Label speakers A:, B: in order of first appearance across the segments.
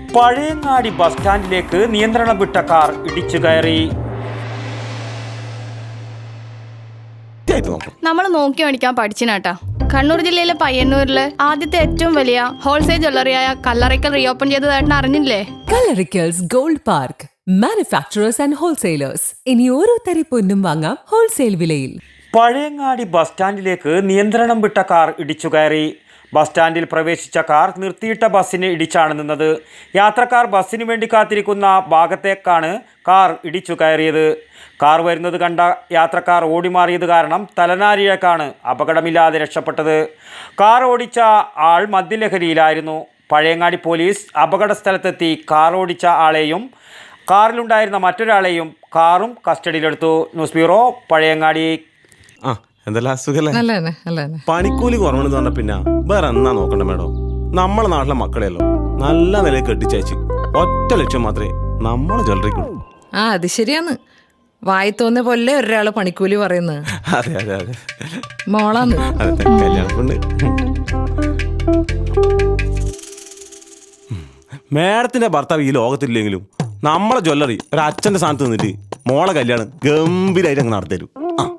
A: Pazhayangadi bus സ്റ്റാൻഡിലേക്ക് നിയന്ത്രണം വിട്ട car ഇടിച്ചു കയറി.
B: നമ്മൾ നോക്കി മേടിക്കാൻ പഠിച്ചിനാട്ടാ. കണ്ണൂർ ജില്ലയിലെ പയ്യന്നൂരിലെ ആദ്യത്തെ ഏറ്റവും വലിയ ഹോൾസെയിൽ ജ്വല്ലറിയായ കല്ലറയ്ക്കൽ റീഓപ്പൺ ചെയ്തതായിട്ട് അറിഞ്ഞില്ലേ?
C: Kallarikkals gold park, manufacturers and wholesalers. ഇനി ഓരോ തരി പൊന്നും വാങ്ങാം ഹോൾസെയിൽ വിലയിൽ.
A: പഴയങ്ങാടി ബസ് സ്റ്റാൻഡിലേക്ക് നിയന്ത്രണം വിട്ട കാർ ഇടിച്ചു കയറി. ബസ് സ്റ്റാൻഡിൽ പ്രവേശിച്ച കാർ നിർത്തിയിട്ട ബസ്സിന് ഇടിച്ചാണ് നിന്നത്. യാത്രക്കാർ ബസ്സിനു വേണ്ടി കാത്തിരിക്കുന്ന ഭാഗത്തേക്കാണ് കാർ ഇടിച്ചു കയറിയത്. കാർ വരുന്നത് കണ്ട യാത്രക്കാർ ഓടിമാറിയത് കാരണം തലനാരിഴക്കാണ് അപകടമില്ലാതെ രക്ഷപ്പെട്ടത്. കാർ ഓടിച്ച ആൾ മദ്യലഹരിയിലായിരുന്നു. പഴയങ്ങാടി പോലീസ് അപകട സ്ഥലത്തെത്തി കാർ ഓടിച്ച ആളെയും കാറിലുണ്ടായിരുന്ന മറ്റൊരാളെയും കാറും കസ്റ്റഡിയിലെടുത്തു. News bureau, Pazhayangadi.
D: പണിക്കൂലി കുറവെന്ന് പറഞ്ഞ പിന്നെ വേറെ എന്നാ നോക്കണ്ട മേഡം. നമ്മളെ നാട്ടിലെ മക്കളെയല്ലോ നല്ല നിലയിൽ കെട്ടിച്ചയച്ച് ഒറ്റ ലക്ഷ്യം മാത്രമേ നമ്മളെ ജ്വല്ലറിക്കുള്ളൂ.
E: അത് ശരിയാന്ന്. വായി തോന്നിയ പോലെ ഒരാള് പണിക്കൂലി പറയുന്നത്.
D: അതെ അതെ അതെ
E: മോളാന്ന്.
D: അതെ, കല്യാണപ്പെണ്ണ്. മേഡത്തിന്റെ ഭർത്താവ് ഈ ലോകത്തില്ലെങ്കിലും നമ്മളെ ജ്വല്ലറി ഒരു അച്ഛന്റെ സ്ഥാനത്ത് നിന്നിട്ട് മോളെ കല്യാണം ഗംഭീരമായിട്ട് അങ്ങ് നടത്തരും.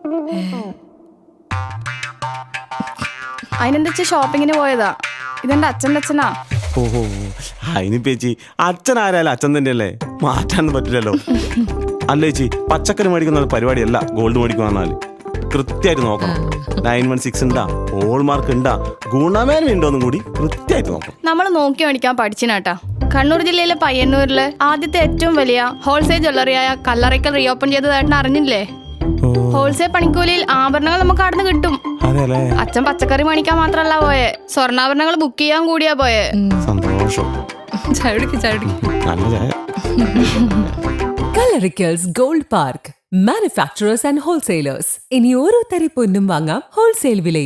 B: അതിനെന്താ ഷോപ്പിങ്ങിന് പോയതാ. ഇതെന്റെ അച്ഛൻ്റെ അച്ഛനാ.
D: ഓഹോ, അതിന് ചേച്ചി അച്ഛൻ ആരായാലും അച്ഛൻ തന്നെയല്ലേ, മാറ്റാനൊന്നും പറ്റില്ലല്ലോ. അല്ല ചേച്ചി, പച്ചക്കറി മേടിക്കുന്ന പരിപാടിയല്ല ഗോൾഡ് മേടിക്കുക പറഞ്ഞാൽ കൃത്യമായിട്ട് നോക്കണം. 916 ഉണ്ടാ, ഹോൾമാർക്ക് ഉണ്ടാ, ഗുണമേന്മ ഉണ്ടോന്നും കൂടി കൃത്യമായിട്ട് നോക്കണം.
B: നമ്മൾ നോക്കി മേടിക്കാൻ പഠിച്ചിനാട്ടാ. കണ്ണൂർ ജില്ലയിലെ പയ്യന്നൂരിലെ ആദ്യത്തെ ഏറ്റവും വലിയ ഹോൾസെയിൽ ജ്വല്ലറിയായ കല്ലറയ്ക്കൽ റീഓപ്പൺ ചെയ്തതായിട്ട് അറിഞ്ഞില്ലേ? ഹോൾസെയിൽ പണിക്കൂലിയിൽ ആഭരണങ്ങൾ നമുക്ക് അവിടെ നിന്ന് കിട്ടും. അച്ഛൻ പച്ചക്കറി മേടിക്കാൻ മാത്രല്ല പോയെ, സ്വർണ്ണാഭരണങ്ങൾ ബുക്ക് ചെയ്യാൻ കൂടിയാ പോയെ.
D: സന്തോഷം.
C: Kallarikkals gold park, manufacturers and wholesalers. ഇനി ഓരോ തരി പൊന്നും വാങ്ങാം ഹോൾസെയിൽ വിലയിൽ.